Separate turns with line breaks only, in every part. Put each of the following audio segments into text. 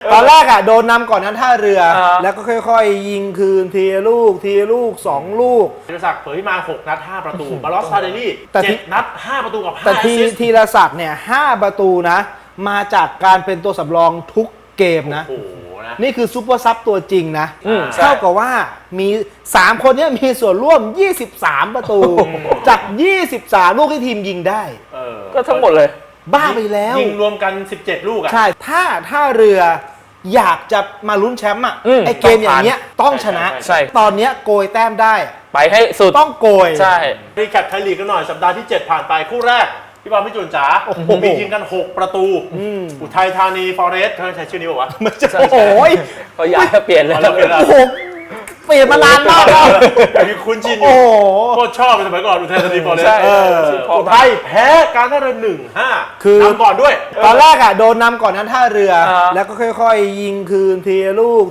ตอนแรกโดนนำก่อนนั้นท่าเรือแล้วก็ค่อยๆยิงคืนทีละลูก2 ลูก
ธีรศักดิ์เผยมา6 นัด 5 ประตูบาลอสซาเดลี่7 นัด 5 ประตูกับ5
แต่ธีรศักดิ์เนี่ย5 ประตูนะมาจากการเป็นตัวสำรองทุกเกมนะนี่คือซุปเปอร์ซับตัวจริงนะเท่ากับว่ามี3 คนนี้มีส่วนร่วม23 ประตูจาก23 ลูกที่ทีมยิงได้
ก็ทั้งหมดเลย
บ้าไปแล้ว
ยิงรวมกัน17 ลูก
ใช่ถ้าเรืออยากจะมาลุ้นแชมป์ไอเกมอย่างเงี้ยต้องชนะตอนเนี้ยโกยแต้มได้
ไปให้สุด
ต้องโกย
ใช่
รีแคปไทยลีกกันหน่อยสัปดาห์ที่7ผ่านไปคู่แรกพี่บอลพี่จุนจ๋ามียิงกัน6 ประตูอุทัยธานีฟอเรสต์เขาใช้ชื่อนี้ป่าววะ
โอ้ย
เขาย้ายเปลี่ยนเลย
เปลี่ยนมานานมากแล้ว
มีคุ้นชินอยู่โคตรชอบสมัยก่อนอุทัยธานีฟอเรสต์อุทัยแพ้การท่าเรือ1-5คือนำก่อนด้วย
ตอนแรกโดนนำก่อนนั้นท่าเรือแล้วก็ค่อยๆยิงคืนทีละลูก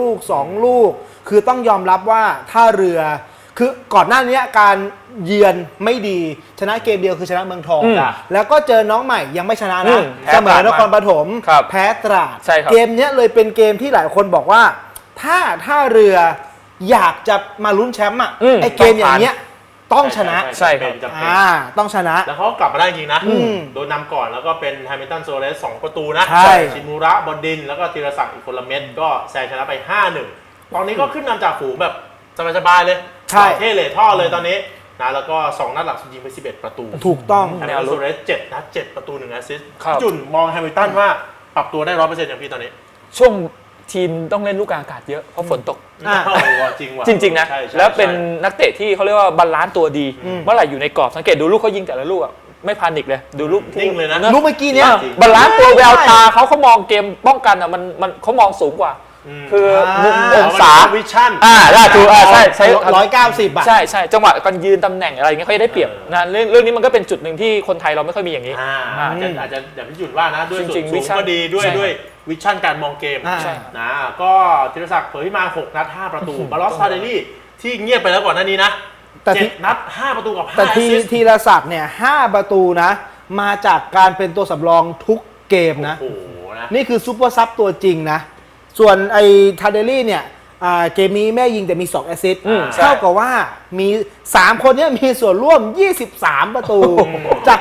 2 ลูกคือต้องยอมรับว่าท่าเรือคือก่อนหน้านี้การเยือนไม่ดีชนะเกมเดียวคือชนะเมืองทองแล้วก็เจอน้องใหม่ยังไม่ชนะนะเสมอนครปฐมแพ้ตราดเกมนี้เลยเป็นเกมที่หลายคนบอกว่าถ้าเรืออยากจะมาลุ้นแชมป์ไอเกมอย่างเงี้ยต้องชนะ
ใช่ครับ
ต้องชนะ
แล้วเขากลับมาได้จริงนะโดนนำก่อนแล้วก็เป็นแฮมิลตันโซเลส2 ประตูนะชินมูระบอดดินแล้วก็ธีรศักดิ์อีกคนละเม็ดก็แซงชนะไป 5-1 ตอนนี้ก็ขึ้นนำจากฝูงแบบสบายๆเลยเท่เลยท่อเลยตอนนี้นะแล้วก็2 นัดหลังยิงไป11 ประตู
ถูกต้อง
แฮมิลตันโซเลส7 นัด 7 ประตู1 แอสซิสต์จุนมองแฮมิลตันว่าปรับตัวได้ 100% อย่างพี่ตอนนี้
ช่วงทีมต้องเล่นลูกกลางอากาศเยอะเพราะฝนตก
จ
ริงนะแล้วเป็นนักเตะที่เขาเรียกว่าบาลานซ์ตัวดีเมื่อไหร่อยู่ในกรอบสังเกตดูลูกเขายิงแต่ละลูกไม่พานิกเลยดูลูก
นิ่งเลยนะ
ลูกเมื่อกี้เนี้ย
บาลานซ์ตัวแววตาเขามองเกมป้องกันมันเขามองสูงกว่าคือมุมองศา
วิชั่น
ได้ถูกใช่
190
ใช่จังหวะการยืนตำแหน่งอะไรเงี้ยเขาได้เปรียบนะเรื่องนี้มันก็เป็นจุดหนึ่งที่คนไทยเราไม่ค่อยมีอย่างนี้
อาจจะอย่างที่จุดว่านะด้วยส่วนสูงก็ดีด้วยวิชั่นการมองเกมนะก็ธีรศักดิ์เผยมา 6 นัด 5 ประตูบาลอสซาเดลี่ที่เงียบไปแล้วก่อนหน้านี้นะ7 นัด 5 ประตูกับ5
แต่ธีรศักดิ์เนี่ย5 ประตูนะมาจากการเป็นตัวสำรองทุกเกมนะนี่คือซุปเปอร์ซับตัวจริงนะส่วนไอ้ทาเดลี่เนี่ยเกมนี้แม่ยิงแต่มี2 แอสซิสต์เท่ากับว่ามี3 คนนี้มีส่วนร่วม23 ประตูจาก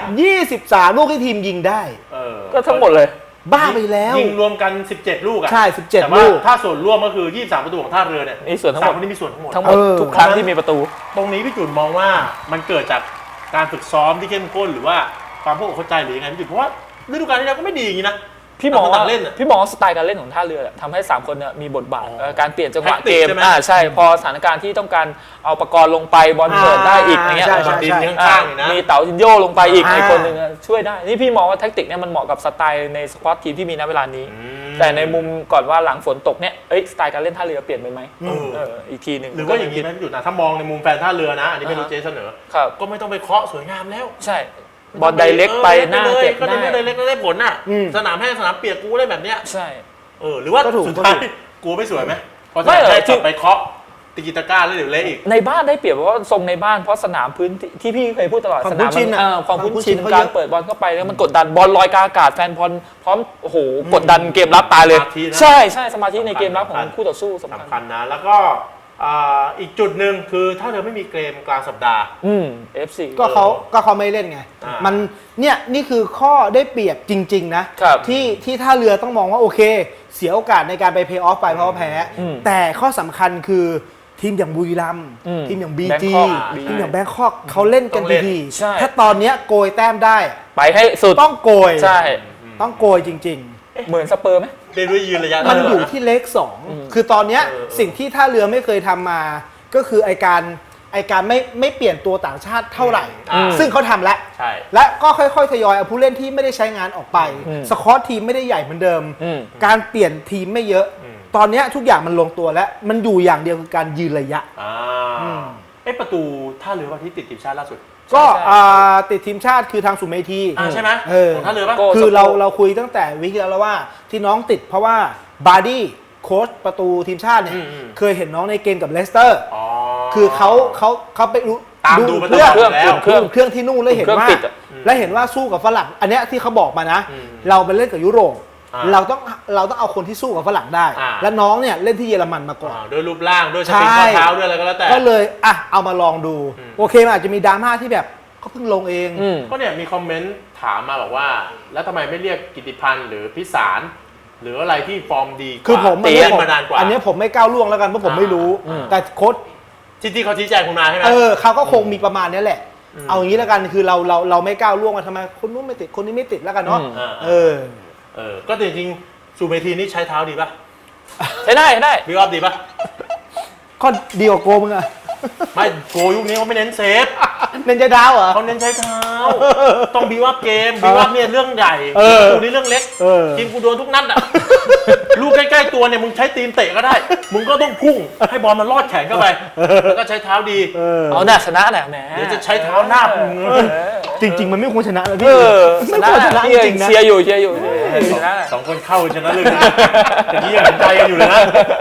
23 ลูกที่ทีมยิงได้
ก็ทั้งหมดเลย
บ้าไปแล้ว
ยิงรวมกัน17 ลูก
ใช่17 ลูก
ถ้าส่วนร่วมก็คือ23 ประตูของท่าเรือเนี่ย
มีส่วนทั้งหมด
คนนี้มีส่วนทั้งหมด
ทุกครั้งที่มีประตู
ตรงนี้พี่จุนมองว่ามันเกิดจากการฝึกซ้อมที่เข้มข้นหรือว่าความพวกเข้าใจหรือยังไงพี่จุนเพราะว่าฤดูกาลที่แล้วก็ไม่ดีอย่างนี้นะ
พี่มองสไตล์การเล่นของท่าเรือทำให้3 คนเนี่ยมีบทบาทการเปลี่ยนจังหวะเกมใช่พอสถานการณ์ที่ต้องการเอาประกรณ์ลงไปบอลเปิดได้อีกอย่างเงี้ยมีเต๋าจินโยลงไปอีกคนหนึ่งช่วยได้นี่พี่มองว่าแทคติกเนี่ยมันเหมาะกับสไตล์ในสควอตทีมที่มีณเวลานี้แต่ในมุมก่อนว่าหลังฝนตกเนี่ยสไตล์การเล่นท่าเรือเปลี่ยนไปไหมอีกทีหนึ่ง
หรือว่าอย่างนี้ไหมพี่จุดนะถ้ามองในมุมแฟนท่าเรือนะอันนี้ไม่รู้เจเสนอก็ไม่ต้องไปเคาะสวยงามแล้ว
ใช่บอลไดเรกไปหน้าเก็บ
ได้ก็ได้เล็กได้ผลน่ะสนามแห้งสนามเปียกกูได้แบบเนี้ย
ใช่
หรือว่าสุดท้ายกูไม่สวยไหมพอจะให้จับไปเคาะตีกีตาก้าแล้วเดี๋ยวเละอีก
ในบ้านได้เปรียบเพราะว่าทรงในบ้านเพราะสนามพื้นที่พี่เคยพูดตลอดสนามความคุ้นชินการเปิดบอลเข้าไปแล้วมันกดดันบอลลอยกลางอากาศแฟนบอลพร้อมโอ้โหกดดันเกมรับตายเลยใช่สมาธิในเกมรับของคู่ต่อสู้
สำคัญนะแล้วก็อีกจุดหนึ่งคือถ้าเธอไม่มีเกมกลางสัปดาห์
FC
ก็เขาไม่เล่นไงมันนี่คือข้อได้เปรียบจริงๆนะที่ท่าเรือต้องมองว่าโอเคเสียโอกาสในการไปเพย์ออฟไปเพราะแพ้แต่ข้อสำคัญคือทีมอย่างบุรีรัมย์ทีมอย่างบีจีทีมอย่างแบงคอกเขาเล่นกันดีๆถ้าตอนนี้โกยแต้มได้
ไปให้สุด
ต้องโกย
ใช่
ต้องโกยจริง
ๆเหมือนสเปอร์ไหม
เล่นด้วยยืนระยะ
มันอยู่ที่เลข2คือตอนนี้สิ่งที่ท่าเรือไม่เคยทำมาก็คือไอการไม่เปลี่ยนตัวต่างชาติเท่าไหร่ซึ่งเขาทำแล้วและก็ค่อยๆทยอยเอาผู้เล่นที่ไม่ได้ใช้งานออกไปสควอตทีมไม่ได้ใหญ่เหมือนเดิมการเปลี่ยนทีมไม่เยอะตอนนี้ทุกอย่างมันลงตัวแล้วมันอยู่อย่างเดียวคือการยืนระยะ
ประตูท่าเรือว่าที่ติดทีมชาติล่าสุด
ก็ติดทีมชาติคือทางสุเมธี
ใช่ไหมของท่าเรือป่ะ
คือเราคุยตั้งแต่วิกฤตแล้วว่าที่น้องติดเพราะว่าบาร์ดี้โค้ชประตูทีมชาติเนี่ยเคยเห็นน้องในเกมกับเลสเตอร์คือเขาไปดูเครื่องที่นู่นแล้วเห็นว่าสู้กับฝรั่งอันเนี้ยที่เขาบอกมานะเราไปเล่นกับยุโรปเราต้องเอาคนที่สู้กับฝรั่งได้ และน้องเนี่ยเล่นที่เยอรมันมาก่อน
ด้วยรูปร่างด้วยสปริงข้อเท้าด้วยอะไรก็แล้วแต่
ก็เลยเอามาลองดูโอเคมันอาจจะมีดราม่าที่แบบเขาเพิ่งลงเอง
ก็เนี่ยมีคอมเมนต์ถามมาบอกว่าแล้วทำไมไม่เรียกกิติพันธ์หรือพิสารหรืออะไรที่ฟอร์มดีกว่า
คือผม
เล่นมานานกว่า
อันนี้ผมไม่ก้าวล่วงแล้วกันเพราะผมไม่รู้แต่โค้ช
ที่เขาชี้แจงคุณมาใช่ไหม
เขาก็คงมีประมาณนี้แหละเอาอย่างนี้แล้วกันคือเราไม่ก้าวล่วงมาทำไมคนนู้นไม่ติดคนนี้ไม่ติดแล้วกันเนาะ
ก็จริงๆซูเมทีนี่ใช้เท้าดีป่ะ
ใช้ได้
บิวอัพดีป่ะ
ก็ดีกว่าโกมึงอะ
ไม่โกยุคนี้เขาไม่เน้นเซฟ
เน้นใช้เท้าเหรอ
เขาเน้นใช้เท้าต้องบิวอัพเกมบิวอัพเนี่ยเรื่องใหญ่กูนี่เรื่องเล็กทีมกูโดนทุกนัดอ่ะลูกใกล้ๆตัวเนี่ยมึงใช้ตีนเตะก็ได้มึงก็ต้องพุ่งให้บอลมันลอดแขนเข้าไปแล้วก็ใช้เท้าดี
เอาหน้าชนะแหละแหม
เดี๋ยวจะใช้เท้าหน้ามึง
จริงๆมันไม่ควรชนะเลยพี่ไม่ควรชนะจริงๆนะ
เชียร์อยู่
สองคนเข้าชนะเลยนะแต่นี่ยังเห็นใจกันอยู่เลยนะ